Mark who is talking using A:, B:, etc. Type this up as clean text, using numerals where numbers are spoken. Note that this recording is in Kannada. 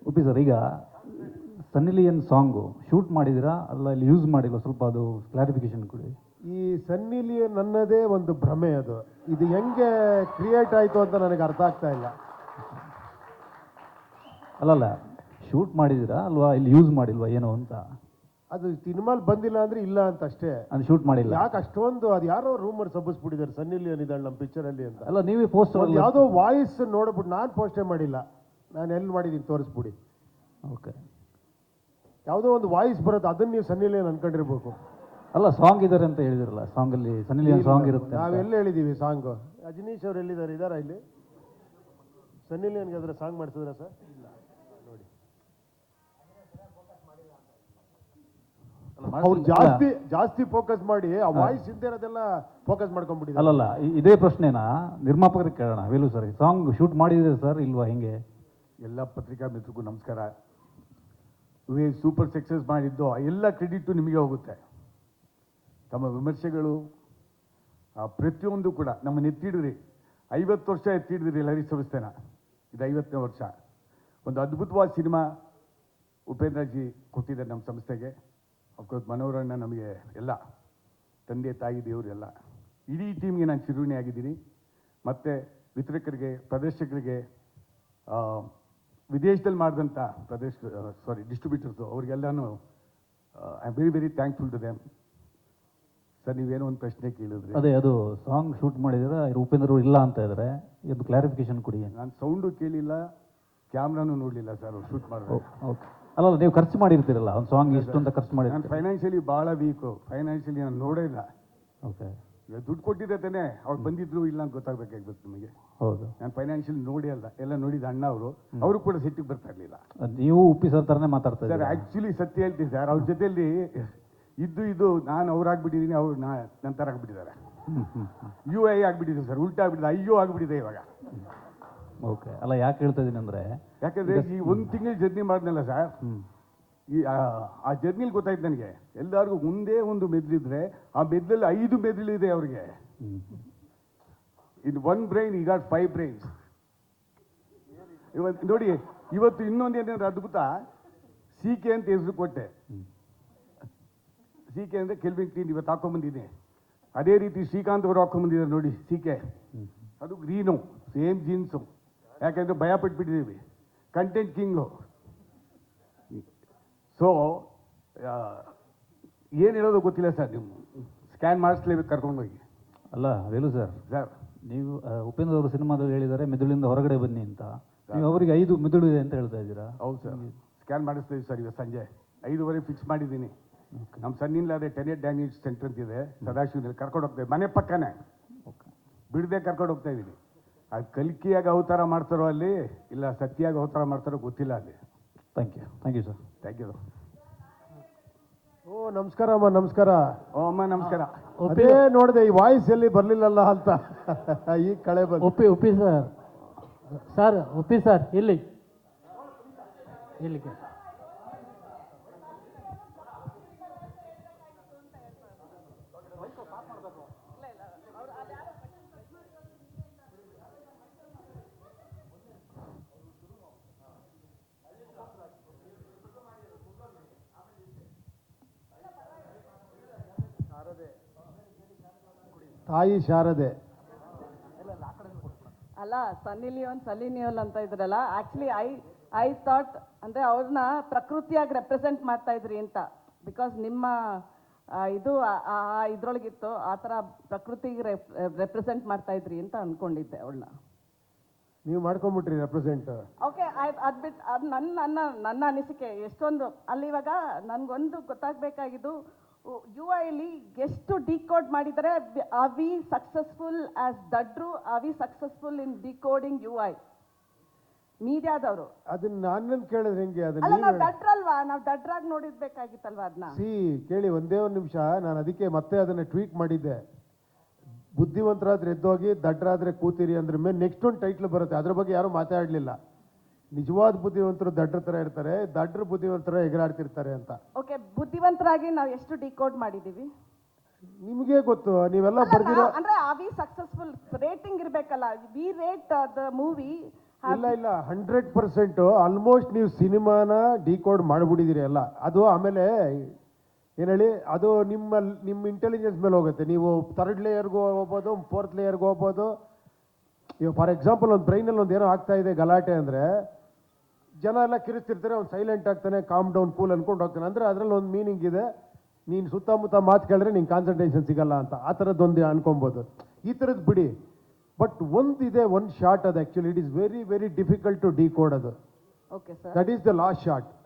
A: ಓಪಿ ಸರ್, ಈಗ ಸನ್ನಿ ಲಿಯೋನ್ ಸಾಂಗು ಶೂಟ್ ಮಾಡಿದ್ದೀರಾ ಅಲ್ಲ ಇಲ್ಲಿ ಯೂಸ್ ಮಾಡಿಲ್ವ? ಸ್ವಲ್ಪ ಅದು ಕ್ಲಾರಿಫಿಕೇಶನ್ ಕೊಡಿ.
B: ಈ ಸನ್ನಿ ಲಿಯೋನ್ ನನ್ನದೇ ಒಂದು ಭ್ರಮೆ, ಅದು ಇದು ಹೆಂಗೆ ಕ್ರಿಯೇಟ್ ಆಯಿತು ಅಂತ ನನಗೆ ಅರ್ಥ ಆಗ್ತಾ ಇಲ್ಲ.
A: ಅಲ್ಲಲ್ಲ, ಶೂಟ್ ಮಾಡಿದ್ದೀರಾ ಅಲ್ವಾ, ಇಲ್ಲಿ ಯೂಸ್ ಮಾಡಿಲ್ವಾ ಏನೋ ಅಂತ.
B: ಅದು ಸಿನಿಮಾಲ್ ಬಂದಿಲ್ಲ ಅಂದ್ರೆ ಇಲ್ಲ ಅಂತ ಅಷ್ಟೇ.
A: ಅದು ಶೂಟ್ ಮಾಡಿಲ್ಲ.
B: ಯಾಕೆ ಅಷ್ಟೊಂದು ಅದು ಯಾರೋ ರೂಮರ್ ಸಬ್ಬಿಸ್ಬಿಟ್ಟಿದ್ದಾರೆ ಸನ್ನಿ ಲಿಯೋನ್ ಇದ್ದಾಳೆ ನಮ್ಮ ಪಿಕ್ಚರಲ್ಲಿ ಅಂತ.
A: ಅಲ್ಲ, ನೀವೇ ಪೋಸ್ಟರ್
B: ಯಾವುದೋ ವಾಯ್ಸ್ ನೋಡ್ಬಿಟ್ಟು ನಾನು ಪೋಸ್ಟೇ ಮಾಡಿಲ್ಲ, ನಾನು ಎಲ್ಲಿ ಮಾಡಿದ್ದೀನಿ ತೋರಿಸ್ಬಿಡಿ.
A: ಓಕೆ,
B: ಯಾವುದೋ ಒಂದು ವಾಯ್ಸ್ ಬರುತ್ತೆ, ಅದನ್ನ ನೀವು ಸನ್ನಿ ಲಿಯೋನ್ ಅನ್ಕೊಂಡಿರ್ಬೇಕು.
A: ಅಲ್ಲ, ಸಾಂಗ್ ಇದ್ದಾರೆ ಅಂತ ಹೇಳಿದಿರಲ್ಲ, ಸಾಂಗಲ್ಲಿ ಸನ್ನಿ ಲಿಯೋನ್ ಸಾಂಗ್ ಇರುತ್ತೆ.
B: ನಾವೆಲ್ಲ ಹೇಳಿದ್ದೀವಿ ಸಾಂಗು? ಅಜನೀಶ್ ಅವ್ರು ಎಲ್ಲಿದ್ದಾರೆ? ಇದಾರಾ ಇಲ್ಲಿ? ಸನ್ನಿ ಲಿಯೋನ್ಗೆ ಅದರ ಸಾಂಗ್ ಮಾಡಿಸಿದ್ರ ಸರ್? ಇಲ್ಲ ನೋಡಿ, ಅವ್ರು ಜಾಸ್ತಿ ಫೋಕಸ್ ಮಾಡಿ ಆ ವಾಯ್ಸ್ ಹಿಂದೆ ಇರೋದೆಲ್ಲ ಫೋಕಸ್ ಮಾಡ್ಕೊಂಡ್ಬಿಟ್ಟಿದ್ದಾರೆ.
A: ಅಲ್ಲಲ್ಲ, ಇದೇ ಪ್ರಶ್ನೆನ ನಿರ್ಮಾಪಕರಿಗೆ ಕೇಳೋಣ. ವೇಲು ಸರ್, ಸಾಂಗ್ ಶೂಟ್ ಮಾಡಿದ್ರೆ ಸರ್ ಇಲ್ವಾ, ಹೆಂಗೆ?
C: ಎಲ್ಲ ಪತ್ರಿಕಾ ಮಿತ್ರರಿಗೂ ನಮಸ್ಕಾರ. ಸೂಪರ್ ಸಕ್ಸಸ್ ಮಾಡಿದ್ದು ಎಲ್ಲ ಕ್ರೆಡಿಟು ನಿಮಗೆ ಹೋಗುತ್ತೆ. ತಮ್ಮ ವಿಮರ್ಶೆಗಳು ಪ್ರತಿಯೊಂದು ಕೂಡ ನಮ್ಮನ್ನು ಎತ್ತಿಡಿದ್ರಿ. 50 ವರ್ಷ ಎತ್ತಿಡಿದ್ರಿ ಲಹರಿ ಸಂಸ್ಥೆನ. ಇದು 50ನೇ ವರ್ಷ. ಒಂದು ಅದ್ಭುತವಾದ ಸಿನಿಮಾ ಉಪೇಂದ್ರಜಿ ಕೊಟ್ಟಿದ್ದಾರೆ ನಮ್ಮ ಸಂಸ್ಥೆಗೆ. ಅಫ್ಕೋರ್ಸ್ ಮನೋರಣ್ಣ ನಮಗೆ ಎಲ್ಲ ತಂದೆ ತಾಯಿ ದೇವರು ಎಲ್ಲ. ಇಡೀ ಟೀಮ್ಗೆ ನಾನು ಚಿರುಣಿ ಆಗಿದ್ದೀನಿ. ಮತ್ತು ವಿತರಕರಿಗೆ, ಪ್ರದರ್ಶಕರಿಗೆ, ವಿದೇಶದಲ್ಲಿ ಮಾಡಿದಂಥ ಡಿಸ್ಟ್ರಿಬ್ಯೂಟರ್ಸು ಅವ್ರಿಗೆಲ್ಲನೂ I am very very thankful to them. Sir, ನೀವೇನೋ ಒಂದು ಪ್ರಶ್ನೆ ಕೇಳಿದ್ರಿ.
A: ಅದೇ, ಅದು ಸಾಂಗ್ ಶೂಟ್ ಮಾಡಿದ್ರೆ ಉಪೇಂದ್ರ ಇಲ್ಲ ಅಂತ ಇದ್ದಾರೆ, ಇದು ಕ್ಲಾರಿಫಿಕೇಶನ್ ಕೊಡಿ.
C: ನಾನು ಸೌಂಡು ಕೇಳಿಲ್ಲ, ಕ್ಯಾಮ್ರಾನು ನೋಡಲಿಲ್ಲ ಸರ್ ಅವ್ರು ಶೂಟ್ ಮಾಡಿದ್ರು.
A: ಓಕೆ, ಅಲ್ಲ ನೀವು ಖರ್ಚು ಮಾಡಿರ್ತೀರಲ್ಲ ಒಂದು ಸಾಂಗ್ ಇಷ್ಟು ಅಂತ ಖರ್ಚು ಮಾಡಿ.
C: ನಾನು ಫೈನಾನ್ಷಿಯಲಿ ಭಾಳ ವೀಕು. ಫೈನಾನ್ಷಿಯಲಿ ನಾನು ನೋಡೇ ಇಲ್ಲ.
A: ಓಕೆ,
C: ಈಗ ದುಡ್ಡು ಕೊಟ್ಟಿದ್ದೆ ತಾನೆ, ಅವ್ರು ಬಂದಿದ್ರು ಇಲ್ಲ ಅಂತ ಗೊತ್ತಾಗಬೇಕಾಗ್ಬೇಕು ನಿಮಗೆ.
A: ಹೌದು,
C: ನಾನು ಫೈನಾನ್ಷಿಯಲಿ ನೋಡಿ ಅಲ್ಲ, ಎಲ್ಲ ನೋಡಿದ ಅಣ್ಣ ಅವರು ಕೂಡ ಸಿಟ್ಟಿಗೆ ಬರ್ತಾ ಇರಲಿಲ್ಲ.
A: ನೀವು ಉಪ್ಪಿ ಸರ್ ಥರನೇ ಮಾತಾಡ್ತಾ
C: ಸರ್.
A: ಇದ್ದೀರಾ.
C: ಆ್ಯಕ್ಚುಲಿ ಸತ್ಯ ಹೇಳ್ತೀನಿ ಸರ್, ಅವ್ರ ಜೊತೆಯಲ್ಲಿ ಇದು ನಾನು ಅವ್ರಾಗ್ಬಿಟ್ಟಿದ್ದೀನಿ, ಅವ್ರು ನನ್ನ ಥರ ಆಗ್ಬಿಟ್ಟಿದ್ದಾರೆ. ಯು ಐ ಆಗ್ಬಿಟ್ಟಿದೆ ಸರ್, ಉಲ್ಟಾ ಆಗ್ಬಿಟ್ಟಿದೆ, ಅಯ್ಯೋ ಆಗ್ಬಿಟ್ಟಿದೆ ಇವಾಗ.
A: ಓಕೆ, ಅಲ್ಲ ಯಾಕೆ ಹೇಳ್ತಾ ಇದ್ದೀನಿ ಅಂದರೆ,
C: ಯಾಕಂದರೆ ಈ 1 ತಿಂಗಳು ಜರ್ನಿ ಮಾಡಿದ್ನಲ್ಲ ಸರ್, ಈ ಆ ಜರ್ನಿಲಿ ಗೊತ್ತಾಯ್ತು ನನಗೆ. ಎಲ್ಲರಿಗೂ ಮುಂದೆ ಒಂದು ಮೆದುಳಿದ್ರೆ ಆ ಮೆದುಳಲ್ಲಿ 5 ಮೆದುಳಿದೆ ಅವ್ರಿಗೆ. In 1 brain he got 5 brains. ಇವತ್ತು ನೋಡಿ, ಇವತ್ತು ಇನ್ನೊಂದು ಏನಂದ್ರೆ ಅದ್ಭುತ, CK ಅಂತ ಹೆಸರು ಕೊಟ್ಟೆ. CK ಅಂದರೆ ಕೆಲ್ವಿನ್ ಕ್ಲೀನ್. ಇವತ್ತು ಹಾಕೊಂಡ್ಬಂದಿದ್ದೀನಿ. ಅದೇ ರೀತಿ ಶ್ರೀಕಾಂತ್ ಅವರು ಹಾಕೊಂಡ್ಬಂದಿದ್ದಾರೆ ನೋಡಿ, CK. ಅದು ಗ್ರೀನು, ಸೇಮ್ ಜೀನ್ಸು. ಯಾಕೆಂದರೆ ಭಯ ಪಟ್ಬಿಟ್ಟಿದ್ದೀವಿ. Content king. ಸೊ ಏನು ಹೇಳೋದು ಗೊತ್ತಿಲ್ಲ ಸರ್. ನೀವು ಸ್ಕ್ಯಾನ್ ಮಾಡಿಸ್ಲೇಬೇಕು ಕರ್ಕೊಂಡೋಗಿ.
A: ಅಲ್ಲ ವೇಲು ಸರ್, ನೀವು ಉಪೇಂದ್ರ ಅವರು ಸಿನಿಮಾದಲ್ಲಿ ಹೇಳಿದ್ದಾರೆ ಮೆದುಳಿಂದ ಹೊರಗಡೆ ಬನ್ನಿ ಅಂತ. ನೀವು ಅವರಿಗೆ 5 ಮೆದುಳು ಇದೆ ಅಂತ ಹೇಳ್ತಾ ಇದ್ದೀರಾ?
C: ಹೌದು ಸರ್, ಸ್ಕ್ಯಾನ್ ಮಾಡಿಸ್ತೀವಿ ಸರ್. ಇವತ್ತು ಸಂಜೆ 5:30 ಫಿಕ್ಸ್ ಮಾಡಿದ್ದೀನಿ. ನಮ್ಮ ಸನ್ನಿಲ್ಲಾದ್ರೆ ಟೆನೆಟ್ ಡ್ಯಾಮೇಜ್ ಸೆಂಟರ್ ಅಂತಿದೆ ಸದಾಶಿವನಲ್ಲಿ, ಕರ್ಕೊಂಡು ಹೋಗ್ತಾ ಇದ್ದೀವಿ. ಮನೆ ಪಕ್ಕನೇ ಬಿಡದೆ ಕರ್ಕೊಂಡು ಹೋಗ್ತಾ ಇದ್ದೀನಿ. ಅದು ಕಲ್ಕಿಯಾಗಿ ಅವತಾರ ಮಾಡ್ತಾರೋ ಅಲ್ಲಿ, ಇಲ್ಲ ಸತ್ಯಾಗಿ ಅವತಾರ ಮಾಡ್ತಾರೋ ಗೊತ್ತಿಲ್ಲ ಅಲ್ಲಿ.
A: Thank you sir.
C: Thank you.
B: ಓ ನಮಸ್ಕಾರ ಅಮ್ಮ. ನಮಸ್ಕಾರ.
C: ಓ ಅಮ್ಮ ನಮಸ್ಕಾರ.
B: ಅದೇ ನೋಡಿದೆ, ಈ ವಾಯ್ಸ್ ಎಲ್ಲಿ ಬರ್ಲಿಲ್ಲಲ್ಲ ಅಂತ ಈಗ ಕಳೆ ಬಂದು.
D: ಉಪ್ಪಿ ಸರ್ ಉಪ್ಪಿ ಸರ್ ಇಲ್ಲಿಗೆ
B: ತಾಯಿ ಶಾರದೆ.
E: ಅಲ್ಲ, ಸನ್ನಿ ಲಿಯೋನ್ ಅಂತ ಇದ್ರಲ್ಲ, ಆಕ್ಚುಲಿ ಐ ಥಾಟ್ ಅಂದರೆ ಅವ್ರನ್ನ ಪ್ರಕೃತಿಯಾಗಿ ರೆಪ್ರೆಸೆಂಟ್ ಮಾಡ್ತಾ ಇದ್ರಿ ಅಂತ. ಬಿಕಾಸ್ ನಿಮ್ಮ ಇದು ಇದ್ರೊಳಗಿತ್ತು, ಆ ಥರ ಪ್ರಕೃತಿಗೆ ರೆಪ್ರೆಸೆಂಟ್ ಮಾಡ್ತಾ ಇದ್ರಿ ಅಂತ ಅಂದ್ಕೊಂಡಿದ್ದೆ ಅವಳನ್ನ.
B: ನೀವು ಮಾಡ್ಕೊಂಬಿಟ್ರಿ ರೆಪ್ರೆಸೆಂಟ್.
E: ಓಕೆ, ಅದು ಬಿಟ್ಟು ಅದು ನನ್ನ ಅನಿಸಿಕೆ. ಎಷ್ಟೊಂದು ಅಲ್ಲಿ ಇವಾಗ ನನಗೊಂದು ಗೊತ್ತಾಗಬೇಕಾಗಿದ್ದು, UI ಎಷ್ಟು ಡಿಕೋಡ್ ಮಾಡಿದರೆ. ಆರ್ ವಿ ಸಕ್ಸಸ್ಫುಲ್ ಆಸ್ ದಡ್ರು? Are we successful in decoding UI ಮೀಡಿಯಾದವರು?
B: ಅದನ್ನ ನಾನೇನು ಕೇಳಿದ್ರೆ ಹೆಂಗೆ?
E: ಅಲ್ಲ, ನಾವು ದಡ್ರಲ್ವಾ? ನಾವು ದಡ್ರಾಗಿ ನೋಡಿರ್ಬೇಕಾಗಿತ್ತಲ್ವಾ ಅದನ್ನ?
B: ಕೇಳಿ ಒಂದೇ ಒಂದು ನಿಮಿಷ. ನಾನು ಅದಕ್ಕೆ ಮತ್ತೆ ಅದನ್ನ ಟ್ವೀಟ್ ಮಾಡಿದ್ದೆ. ಬುದ್ಧಿವಂತರಾದ್ರೆ ಎದ್ದೋಗಿ, ದಡ್ರಾದ್ರೆ ಕೂತಿರಿ ಅಂದ್ರೆ ಮೇಲೆ ನೆಕ್ಸ್ಟ್ ಒಂದು ಟೈಟ್ಲ್ ಬರುತ್ತೆ. ಅದ್ರ ಬಗ್ಗೆ ಯಾರು ಮಾತಾಡಲಿಲ್ಲ. ನಿಜವಾದ ಬುದ್ಧಿವಂತರು ದಡ್ರ ತರ ಇರ್ತಾರೆ, ದಡ್ರ ಬುದ್ಧಿವಂತರ ಎಗರಾಡ್ತಿರ್ತಾರೆ ಅಂತ.
E: ಓಕೆ, ಬುದ್ಧಿವಂತರಾಗಿ ನಾವು ಎಷ್ಟು ಡಿಕೋಡ್ ಮಾಡಿದೀವಿ
B: ನಿಮಗೆ ಗೊತ್ತು. ನೀವೆಲ್ಲ ಬರ್ದಿರೋ
E: ಅಂದ್ರೆ ಆರ್ ವಿ ಸಕ್ಸಸ್ಫುಲ್ ರೇಟಿಂಗ್ ಇರಬೇಕಲ್ಲ. ವಿ ರೇಟ್ ದ ಮೂವಿ
B: ಇಲ್ಲ ಇಲ್ಲ 100% ಆಲ್ಮೋಸ್ಟ್ ನೀವು ಸಿನಿಮಾನ ಡಿಕೋಡ್ ಮಾಡಿಬಿಟ್ಟಿದ್ದೀರಿ ಎಲ್ಲ. ಅದು ಆಮೇಲೆ ಏನು ಹೇಳಿ, ಅದು ನಿಮ್ಮ ಇಂಟೆಲಿಜೆನ್ಸ್ ಮೇಲೆ ಹೋಗುತ್ತೆ. ನೀವು 3rd ಲೇಯರ್ಗೂ ಹೋಗ್ಬೋದು, 4th ಲೇಯರ್ಗೂ ಹೋಗ್ಬೋದು. ಈಗ ಫಾರ್ ಎಕ್ಸಾಂಪಲ್ ಒಂದು ಬ್ರೈನಲ್ಲಿ ಒಂದು ಏನೋ ಆಗ್ತಾ ಇದೆ ಗಲಾಟೆ ಅಂದರೆ ಜನ ಎಲ್ಲ ಕಿರಿಸ್ತಿರ್ತಾರೆ, ಅವ್ನು ಸೈಲೆಂಟ್ ಆಗ್ತಾನೆ, ಕಾಮ್ ಡೌನ್ ಕೂಲ್ ಅನ್ಕೊಂಡು ಹೋಗ್ತಾನೆ. ಅಂದರೆ ಅದರಲ್ಲಿ ಒಂದು ಮೀನಿಂಗ್ ಇದೆ, ನೀನು ಸುತ್ತಮುತ್ತ ಮಾತು ಕೇಳಿದ್ರೆ ನಿಂಗೆ ಕಾನ್ಸಂಟ್ರೇಷನ್ ಸಿಗಲ್ಲ ಅಂತ, ಆ ಥರದ್ದೊಂದು ಅನ್ಕೊಬೋದು. ಈ ಥರದ್ದು ಬಿಡಿ. ಬಟ್ ಒಂದು ಶಾರ್ಟ್ ಅದು actually it is very very difficult to decode ಅದು.
E: Okay sir.
B: That is the last short.